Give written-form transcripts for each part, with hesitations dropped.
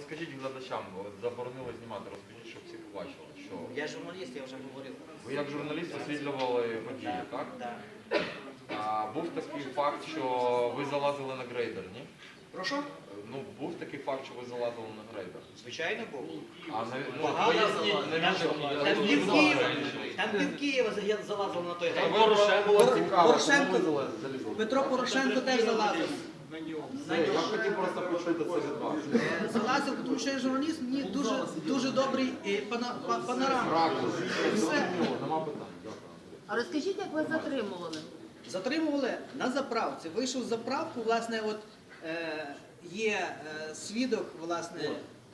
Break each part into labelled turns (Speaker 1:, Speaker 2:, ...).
Speaker 1: розкажіть глядачам, от заборонили знімати, розкажіть, щоб всі побачили, що...
Speaker 2: Я журналіст, я вже говорив.
Speaker 1: Ви як журналіст освітлювали події, так?
Speaker 2: Так.
Speaker 1: А був такий факт, що ви залазили на грейдер, ні?
Speaker 2: Прошу?
Speaker 1: Ну, був такий факт, що ви залазили на грейдер.
Speaker 2: Звичайно, був.
Speaker 1: А
Speaker 2: Багато
Speaker 1: поясніть, навіщо?
Speaker 2: Там пів Києва залазило на той грейдер.
Speaker 1: Порошенко,
Speaker 2: Петро Порошенко теж залазив.
Speaker 1: я хотів просто почути це від вас.
Speaker 2: Залазив, тому що я журналіст, мені дуже добрий панорама.
Speaker 1: Ракурс.
Speaker 2: Все.
Speaker 1: Нема питань. Дякую.
Speaker 3: А розкажіть, як ви затримували?
Speaker 2: Затримували на заправці. Вийшов з заправку, власне, от є свідок, власне,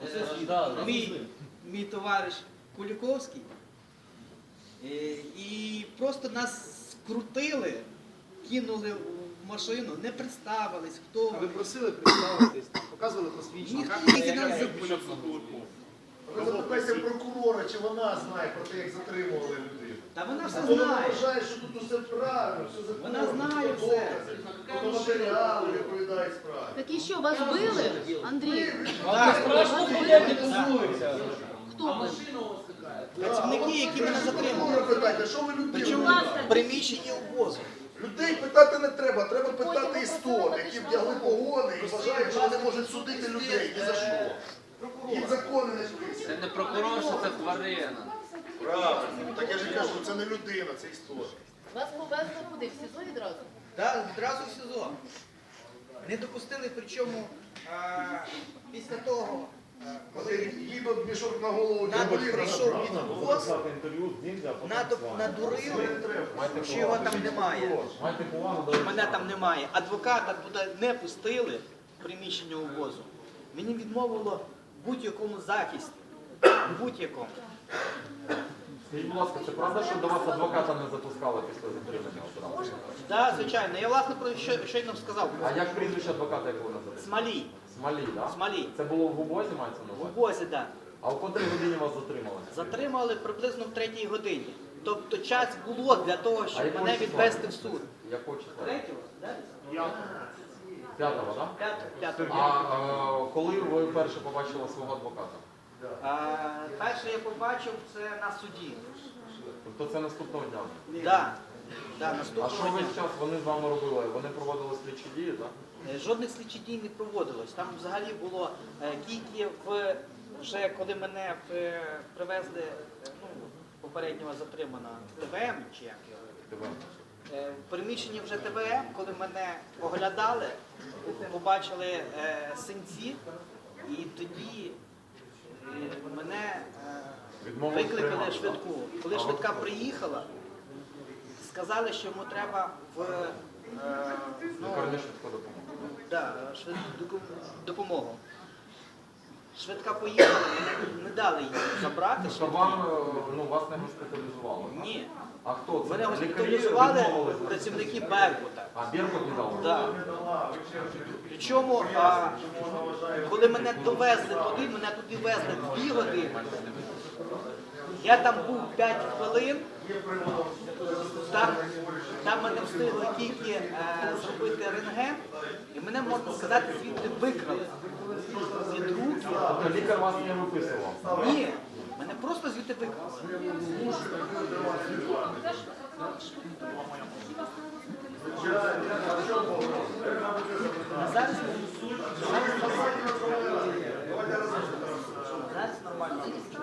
Speaker 2: мій товариш Куліковський. І просто нас скрутили, кинули в машину, не представились, хто.
Speaker 4: Ви просили представитись, показували посвідчення.
Speaker 2: Ніхто тільки нас
Speaker 5: Ви запитайте прокурора, чи вона знає про те, як затримували людей.
Speaker 2: Та вона все
Speaker 5: Вона
Speaker 2: знає.
Speaker 5: вважає, що тут усе правильно, все законно.
Speaker 2: Вона знає все.
Speaker 5: Фото матеріали відповідають справі.
Speaker 3: Так і що, вас били, Андрій? Хто ви?
Speaker 2: Працівники, які мене затримали.
Speaker 5: Прокурора питайте, що ви людей?
Speaker 2: Причому в приміщенні обозу.
Speaker 5: Людей питати не треба, треба питати істот, які вдягли погони і вважають, що вони можуть судити людей. Ні за що. Їм закони не списують.
Speaker 6: Це не прокурор, що це тварина.
Speaker 5: Правильно. Так я ж і кажу, це не людина, це істот.
Speaker 3: Вас повезли куди? В СІЗО відразу?
Speaker 2: Так, відразу в СІЗО. Не допустили, причому після того, коли
Speaker 5: Їдуть мішок на голову,
Speaker 2: натовп
Speaker 5: деболі
Speaker 2: прийшов під обоз, натовп надурили, що його там немає.
Speaker 1: Майте повагу
Speaker 2: Що мене там немає. Адвоката туди не пустили в приміщення обозу. Мені відмовило в будь-якому захисті. В будь-якому.
Speaker 1: Скажіть, будь ласка, це правда, що до вас адвоката не запускали після затримання одразу?
Speaker 2: Так, звичайно. Я, власне, про щойно сказав.
Speaker 1: А як прізвище адвоката, як ви називаєте?
Speaker 2: Смолій.
Speaker 1: Смолій, так?
Speaker 2: Смолій.
Speaker 1: Це було в обозі, мається на
Speaker 2: В
Speaker 1: увазі?
Speaker 2: обозі, так.
Speaker 1: А в котрій годині вас затримали?
Speaker 2: Затримали приблизно в 3-й годині. Тобто час було для того,
Speaker 1: А
Speaker 2: щоб
Speaker 1: якого
Speaker 2: мене
Speaker 1: числа?
Speaker 2: відвести в суд.
Speaker 1: Якого числа?
Speaker 2: 3-го?
Speaker 1: П'ятого, так?
Speaker 2: 5-го.
Speaker 1: А коли ви вперше побачили свого адвоката?
Speaker 2: Перше я побачив це на суді.
Speaker 1: Тобто це наступного дня?
Speaker 2: Так,
Speaker 1: А що
Speaker 2: наступного
Speaker 1: весь
Speaker 2: дня.
Speaker 1: час вони з вами робили? Вони проводили слідчі дії, так?
Speaker 2: Жодних слідчих дій не проводилось. Там взагалі було тільки вже коли мене привезли, попереднього затриманого ТВМ, чи як його, в приміщенні вже ТВМ, коли мене оглядали, побачили синці, і тоді мене викликали швидку. Коли швидка приїхала, сказали, що йому треба
Speaker 1: Лікарня швидка допомога.
Speaker 2: допомогу. Швидка поїхала, не дали її забрати.
Speaker 1: Тобто вам, вас не госпіталізували? так?
Speaker 2: Ні.
Speaker 1: А хто це?
Speaker 2: Мене
Speaker 1: Лікарі
Speaker 2: госпіталізували
Speaker 1: відмовились?
Speaker 2: працівники Беркута.
Speaker 1: А Беркут не дав?
Speaker 2: Так. Причому, коли мене довезли туди, мене туди везли 2 години. Я там був 5 хвилин. Там мене встигли тільки зробити рентген, і мене, можна сказати, звідти викрали. Від руки.
Speaker 1: Тобто лікар вас не виписував?
Speaker 2: Ні, мене просто звідти викрали. Зараз нормально.